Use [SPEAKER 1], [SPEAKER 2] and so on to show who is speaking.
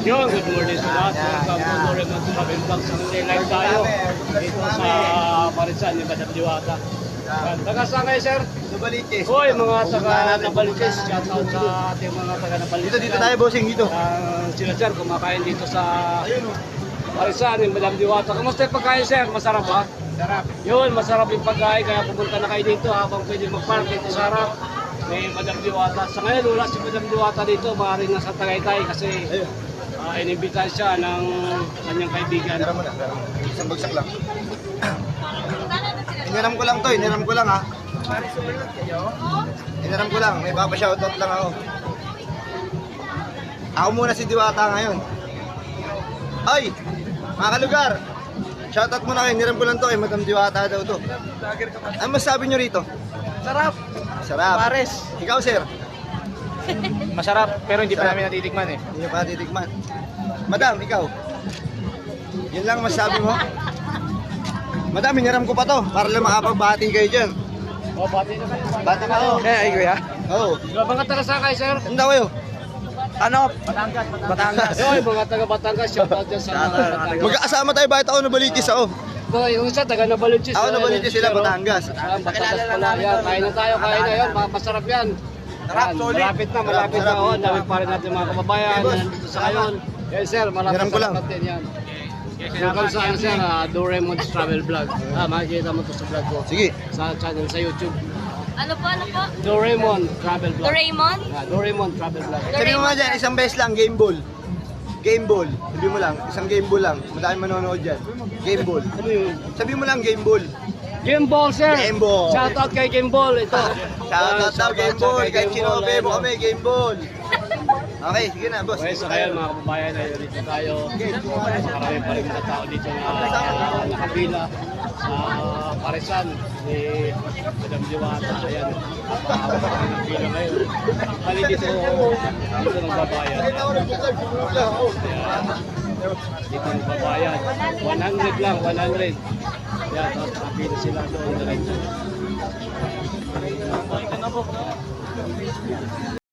[SPEAKER 1] Yun, good morning sa lahat. Welcome to Dore Monte Travel Vlog. Sa live tayo dito sa Parisan ni Madam Diwata. Taga saan kayo, sir?
[SPEAKER 2] Nabaliches.
[SPEAKER 1] Hoy, mga taga Nabaliches. Shout out sa ating mga taga Nabaliches.
[SPEAKER 2] Dito tayo, bossing, dito.
[SPEAKER 1] Sila, sir, kumakain dito sa Parisan ni Madam Diwata. Kamusta yung pagkain, sir? Masarap ba?
[SPEAKER 2] Sarap.
[SPEAKER 1] Yun, masarap yung pagkain. Kaya pumunta na kayo dito habang pwede mag-park dito sa harap. May Madam Diwata. Sa ngayon, wala si Madam Diwata dito. Maaaring nasa Tagaytay kasi inimbitahan siya ng kanyang kaibigan.
[SPEAKER 2] Tara mo na. Isang bagsak lang. Iniram ko lang to, iniram ko lang ha. Iniram ko lang, may papashoutout lang ako. Ako muna si Diwata ngayon. Ay! Mga kalugar! Shoutout muna kayo, iniram ko lang to, Madam Diwata daw to. Ano masasabi nyo rito?
[SPEAKER 3] Sarap.
[SPEAKER 2] Sarap.
[SPEAKER 3] Pares.
[SPEAKER 2] Ikaw, sir?
[SPEAKER 3] Masarap, pero hindi pa namin natitikman eh.
[SPEAKER 2] Hindi pa titikman. Madam, ikaw? Yun lang masasabi mo? Madam, hiniram ko pa to para lang makapagbati kayo dyan.
[SPEAKER 1] O, bati na kayo.
[SPEAKER 2] Bati ka ako.
[SPEAKER 3] Ay, kuya.
[SPEAKER 2] Oo.
[SPEAKER 1] Mga taga saan kayo, sir?
[SPEAKER 2] Ano daw kayo?
[SPEAKER 3] Ano? Batangas.
[SPEAKER 1] Yun, mga taga Batangas. Shout out dyan sa mga Batangas.
[SPEAKER 2] Magkakasama tayo, bakit ako nabalitis ako?
[SPEAKER 1] Yung isa, taga Nabaliches.
[SPEAKER 2] Ako nabalitis sila, Batangas.
[SPEAKER 1] Batangas pala yan. Kain na tayo, kain na yun. Masarap yan.
[SPEAKER 3] Sarap,
[SPEAKER 1] Yan,
[SPEAKER 3] solid.
[SPEAKER 1] malapit na, malapit na.
[SPEAKER 2] Sarap,
[SPEAKER 1] Oh,
[SPEAKER 2] sarap.
[SPEAKER 1] dami pa rin natin mga kababayan na nandito sa ngayon. Yes, sir, maraming
[SPEAKER 2] Hiram ko lang.
[SPEAKER 1] salamat din yan. Welcome sa ano, sir, Doraemon's Travel Vlog. Makikita mo to sa vlog ko.
[SPEAKER 2] Sige.
[SPEAKER 1] Sa channel sa YouTube.
[SPEAKER 4] Ano po, ano po?
[SPEAKER 1] Doraemon Travel Vlog.
[SPEAKER 4] Doraemon?
[SPEAKER 1] Doraemon Travel Vlog.
[SPEAKER 2] Sabi mo nga dyan, isang beses lang, game ball. Game ball. Sabi mo lang, isang game ball lang. Madami manonood dyan. Game ball.
[SPEAKER 1] Ano yun?
[SPEAKER 2] Sabi mo lang, game ball.
[SPEAKER 1] Game Ball, sir.
[SPEAKER 2] Game Ball.
[SPEAKER 1] Shout out kay Game Ball. Ito.
[SPEAKER 2] Shoutout daw, game ball.
[SPEAKER 1] kay
[SPEAKER 2] Kahit
[SPEAKER 1] Game Ball,
[SPEAKER 2] sinobe mo
[SPEAKER 1] ayun,
[SPEAKER 2] kami, game ball. Okay, sige na, boss.
[SPEAKER 1] Okay, so ngayon mga kababayan, ay dito tayo. Marami pa rin mga tao dito na nakapila sa Parisan ni Madam Diwata. Ayan, napahawak pa rin ang pila ngayon. Bali dito ng babayan. Ayan, dito ng babayan. 100 lang, 100. Ayan, tapos nakapila sila doon. Diretso.